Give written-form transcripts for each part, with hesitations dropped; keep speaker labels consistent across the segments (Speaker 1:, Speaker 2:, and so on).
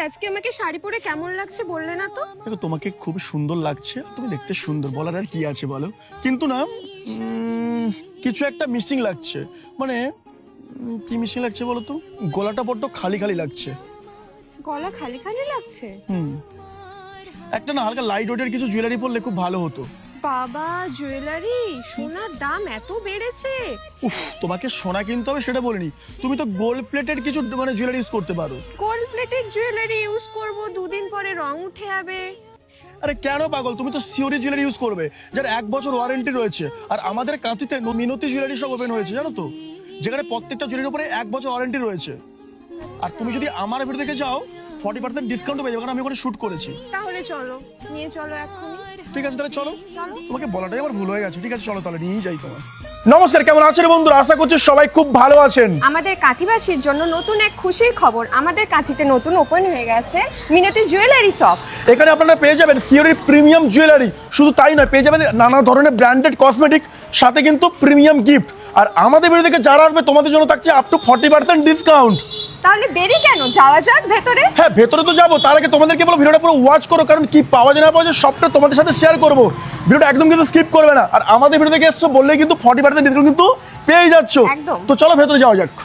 Speaker 1: আজকে আমাকে শাড়ি পরে কেমন লাগছে বললে না তো?
Speaker 2: দেখো তোমাকে খুব সুন্দর লাগছে, তুমি দেখতে সুন্দর, বলার আর কি আছে বলো। কিন্তু না কিছু একটা মিসিং লাগছে, মানে কি মিসিং লাগছে বলো তো? গলাটা বড্ড খালি খালি লাগছে।
Speaker 1: গলা খালি খালি লাগছে?
Speaker 2: একটা না হালকা লাইট ওয়েটের কিছু জুয়েলারি পরলে খুব ভালো হতো।
Speaker 1: বাবা, জুয়েলারি সোনার দাম এত বেড়েছে?
Speaker 2: উফ, তোমাকে সোনা কিনতে হবে সেটা বলিনি, তুমি তো গোল্ড প্লেটেড কিছু মানে জুয়েলারি ইউজ করতে পারো।
Speaker 1: গোল্ড প্লেটেড জুয়েলারি ইউজ করব, দুদিন পরে রং উঠে যাবে।
Speaker 2: আরে কেন পাগল, তুমি তো সিওরি জুয়েলারি ইউজ করবে যার 1 বছর ওয়ারেন্টি রয়েছে। আর আমাদের কাঁথিতে মিনতি জুয়েলারি সব ওপেন হয়েছে জানো তো, যেখানে প্রত্যেকটা জুয়েলারির উপরে 1 বছর ওয়ারেন্টি রয়েছে। আর তুমি যদি আমার ভিডিও দেখে যাও 40% ডিসকাউন্ট পেয়ে যাবে, কারণ আমি ওখানে শুট করেছি।
Speaker 1: তাহলে চলো, নিয়ে চলো এখনই।
Speaker 2: ঠিক আছে তাহলে চলো।
Speaker 1: চলো।
Speaker 2: তোমাকে বলাটাই আমার ভুল হয়ে গেছে। ঠিক আছে চলো তাহলে নিয়েই যাই তোমার। নমস্কার, কেমন আছেন বন্ধুরা? আশা করছি সবাই খুব ভালো আছেন।
Speaker 1: আমাদের কাঁথিবাসীর জন্য নতুন এক খুশির খবর, আমাদের কাঁথিতে নতুন ওপেন হয়ে গেছে মিনতি জুয়েলারি শপ।
Speaker 2: এখানে আপনারা পেয়ে যাবেন সিওরির প্রিমিয়াম জুয়েলারি, শুধু তাই নয় পেয়ে যাবেন নানা ধরনের ব্র্যান্ডেড কসমেটিক, সাথে কিন্তু প্রিমিয়াম গিফট। আর আমাদের ভিডিও থেকে যারা আসবে তোমাদের জন্য থাকছে আপ টু 40% ডিসকাউন্ট।
Speaker 1: তাহলে দেরি কেন, যাওয়া যাক ভেতরে।
Speaker 2: হ্যাঁ ভেতরে তো যাবো, তার আগে তোমাদেরকে বলো ভিডিওটা পুরো ওয়াচ করো, কারণ কি পাওয়া যায় না পাওয়া যায় সবটা তোমাদের সাথে শেয়ার করবো। ভিডিওটা একদম কিন্তু স্কিপ করবে না। আর আমাদের ভিডিও থেকে এসছো বললেই কিন্তু 40% ডিসকাউন্ট কিন্তু পেয়ে যাচ্ছ।
Speaker 1: একদম।
Speaker 2: তো চলো ভেতরে যাওয়া যাক।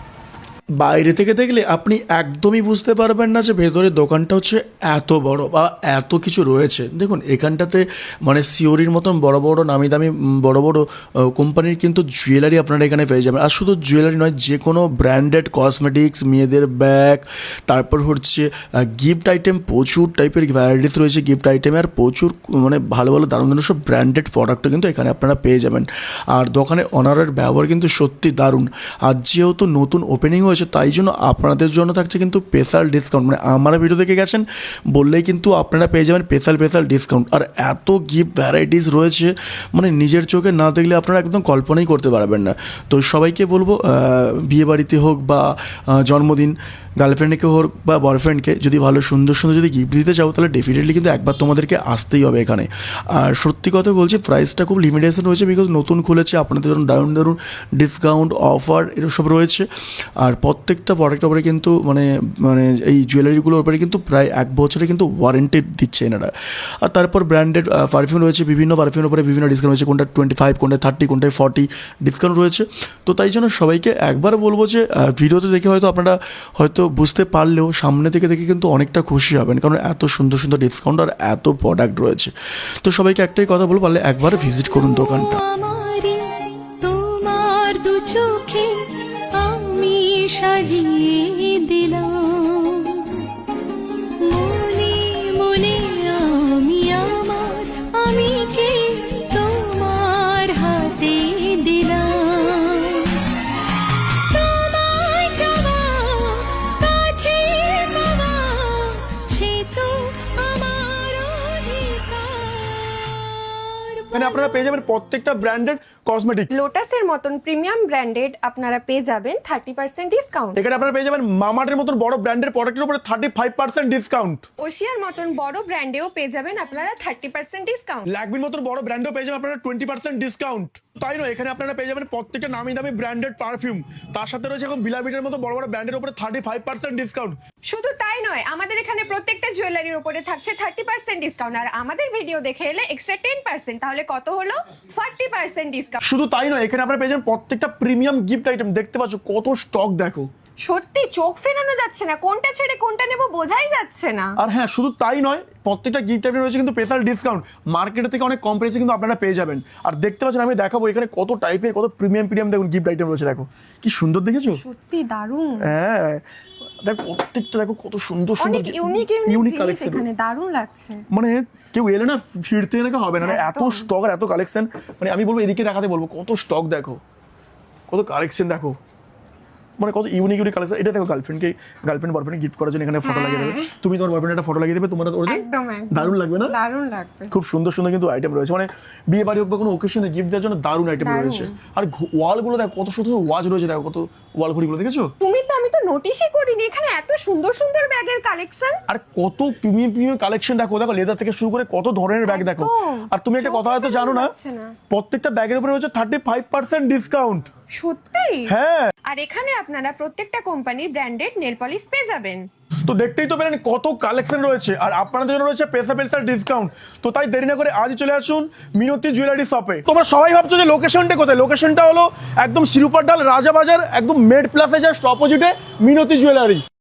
Speaker 2: বাইরে থেকে দেখলে আপনি একদমই বুঝতে পারবেন না যে ভেতরে দোকানটা হচ্ছে এত বড় বা এত কিছু রয়েছে। দেখুন এখানটাতে মানে সিওরির মতন বড় বড় নামি দামি বড় বড় কোম্পানির কিন্তু জুয়েলারি আপনারা এখানে পেয়ে যাবেন। আর শুধু জুয়েলারি নয়, যে কোনো ব্র্যান্ডেড কসমেটিক্স, মেয়েদের ব্যাগ, তারপর হচ্ছে গিফট আইটেম, প্রচুর টাইপের ভ্যারাইটিস রয়েছে গিফট আইটেমে। আর প্রচুর মানে ভালো ভালো দারুণ দারুণ সব ব্র্যান্ডেড প্রোডাক্টও কিন্তু এখানে আপনারা পেয়ে যাবেন। আর দোকানে অনারের ব্যবহার কিন্তু সত্যি দারুণ। আর যেহেতু নতুন ওপেনিং হয়েছে তাই জন্য আপনাদের জন্য থাকছে কিন্তু স্পেশাল ডিসকাউন্ট, মানে আমার ভিডিও দেখে গেছেন বললেই কিন্তু আপনারা পেয়ে যাবেন স্পেশাল ডিসকাউন্ট। আর এত গিফট ভ্যারাইটিস রয়েছে মানে নিজের চোখে না দেখলে আপনারা একদম কল্পনাই করতে পারবেন না। তো সবাইকে বলবো বিয়ে বাড়িতে হোক বা জন্মদিন, গার্লফ্রেন্ডকে হোক বা বয়ফ্রেন্ডকে যদি ভালো সুন্দর সুন্দর যদি গিফট দিতে চাও তাহলে ডেফিনেটলি কিন্তু একবার তোমাদেরকে আসতেই হবে এখানে। আর সত্যি কথা বলছি প্রাইসটা খুব লিমিটেশন রয়েছে, বিকজ নতুন খুলেছে, আপনাদের জন্য দারুণ দারুণ ডিসকাউন্ট অফার এরকম সব রয়েছে। আর প্রত্যেকটা প্রোডাক্টের উপরে কিন্তু মানে মানে এই জুয়েলারিগুলোর উপরে কিন্তু প্রায় 1 বছরে কিন্তু ওয়ারেন্টি দিচ্ছে এনারা। আর তারপর ব্র্যান্ডেড পারফিউম রয়েছে, বিভিন্ন পারফিউমের উপরে বিভিন্ন ডিসকাউন্ট রয়েছে, কোনটা 25, কোনটা 30, কোনটায় 40 ডিসকাউন্ট রয়েছে। তো তাই জন্য সবাইকে একবার বলবো যে ভিডিওতে দেখে হয়তো আপনারা হয়তো বুঝতে পারলেও সামনে থেকে দেখে কিন্তু অনেকটা খুশি হবেন, কারণ এত সুন্দর সুন্দর ডিসকাউন্ট আর এত প্রোডাক্ট রয়েছে। তো সবাইকে একটাই কথা বলবো, পারলে একবার ভিজিট করুন দোকানটা।
Speaker 3: তোমার দু চোখে আমি সাজিয়ে দিলাম, মনে মনে আমি আমার আমিকে তোমার হাতে দিলাম। তোমায় চাওয়া কাছে পাওয়া সে তো আমার অধিকার।
Speaker 2: মানে আপনারা পেয়ে যাবেন প্রত্যেকটা ব্র্যান্ডেড কসমেটিক।
Speaker 1: লোটাসের মতন প্রিমিয়াম ব্র্যান্ডেড আপনারা পেয়ে যাবেন 30% ডিসকাউন্ট।
Speaker 2: এখানে আপনারা পেয়ে যাবেন মামার্টের মতন বড় ব্র্যান্ডের প্রোডাক্টের উপরে 35% ডিসকাউন্ট।
Speaker 1: ওশিয়ার মতন বড় ব্র্যান্ডেও পেয়ে যাবেন আপনারা 30% ডিসকাউন্ট।
Speaker 2: ল্যাকমির মতন বড় ব্র্যান্ডেও পেয়ে যাবেন আপনারা 20% ডিসকাউন্ট। তাই নয়, এখানে আপনারা পেয়ে যাবেন প্রত্যেকটা নামি দামি ব্র্যান্ডেড পারফিউম, তার সাথে রয়েছে এখন ভিলাভিটের মতো বড় বড় ব্র্যান্ডের উপরে 35% ডিসকাউন্ট।
Speaker 1: শুধু তাই নয়, আমাদের এখানে প্রত্যেকটা জুয়েলারির উপরে থাকছে 30% ডিসকাউন্ট। আর আমাদের ভিডিও দেখে এলে এক্সট্রা 10%, তাহলে কত হলো? 40% ডিসকাউন্ট।
Speaker 2: শুধু তাই নয়, এখানে আপনারা পেয়ে যাবেন প্রত্যেকটা প্রিমিয়াম গিফট আইটেম। দেখতে পাচ্ছ কত স্টক, দেখো
Speaker 1: সত্যি চোখ ফেরানো যাচ্ছে না, কোনটা ছেড়ে কোনটা নেব বোঝাই যাচ্ছে না।
Speaker 2: আর হ্যাঁ শুধু তাই নয়, প্রত্যেকটা গিফট আইটেম রয়েছে কিন্তু স্পেশাল ডিসকাউন্ট, মার্কেটের থেকে অনেক কম প্রাইসে কিন্তু আপনারা পেয়ে যাবেন। আর দেখতে পাচ্ছেন আমি দেখাবো এখানে কত টাইপের কত প্রিমিয়াম দেখুন গিফট আইটেম রয়েছে, দেখো কি সুন্দর, দেখেছো?
Speaker 1: সত্যি দারুণ।
Speaker 2: হ্যাঁ দেখো প্রত্যেকটা দেখো কত সুন্দর
Speaker 1: অনেক ইউনিক
Speaker 2: ইউনিক
Speaker 1: জিনিস
Speaker 2: কালেকশন,
Speaker 1: এখানে দারুণ লাগছে।
Speaker 2: মানে কেউ এলে না ফিরতে এনে হবে না, মানে এত
Speaker 1: একদম।
Speaker 2: স্টক আর এত কালেকশন। মানে আমি বলবো এদিকে দেখাতে বলবো কত স্টক, দেখো কত কালেকশন, দেখো মানে কত ইউনিক কালেকশন। এটা দেখো গার্লফ্রেন্ড বয়ফ্রেন্ড গিফট করার জন্য এখানে ফটো লাগিয়ে দেবে, তুমি তোমার বয়ফ্রেন্ড একটা ফটো লাগিয়ে দেবে, তোমার
Speaker 1: একদম
Speaker 2: দারুণ লাগবে না?
Speaker 1: দারুণ লাগবে।
Speaker 2: খুব সুন্দর সুন্দর কিন্তু আইটেম রয়েছে, মানে বিয়ে বাড়ি হোক বা কোনো ওকেশনে গিফট দেওয়ার জন্য দারুণ আইটেম রয়েছে। আর ওয়ালগুলো দেখো কত সুন্দর ওয়াচ রয়েছে, দেখো কত ওয়াল ঘড়িগুলো দেখেছো?
Speaker 1: আমি তো নোটিশই করিনি এখানে এত সুন্দর সুন্দর ব্যাগের কালেকশন।
Speaker 2: আর কত প্রিমিয়াম কালেকশন, দেখো লেদার থেকে শুরু করে কত ধরনের ব্যাগ দেখো। আর তুমি একটা কথা হয়তো জানো না, প্রত্যেকটা ব্যাগের উপরে হচ্ছে 35% ডিসকাউন্ট।
Speaker 1: সত্যি?
Speaker 2: হ্যাঁ।
Speaker 1: আর এখানে আপনারা প্রত্যেকটা কোম্পানির ব্র্যান্ডেড নেল পলিশ পেয়ে যাবেন।
Speaker 2: তো দেখতেই তো পেলেন কত কালেকশন রয়েছে, আর আপনাদের জন্য রয়েছে স্পেশাল ডিসকাউন্ট। তো তাই দেরি না করে আজই চলে আসুন মিনতি জুয়েলারি শপে। তোমরা সবাই ভাবছো যে লোকেশনটা কোথায়, লোকেশনটা হলো একদম শিরুপারডাল রাজাবাজার, একদম মেড প্লাসে জাস্ট অপোজিটে মিনতি জুয়েলারি।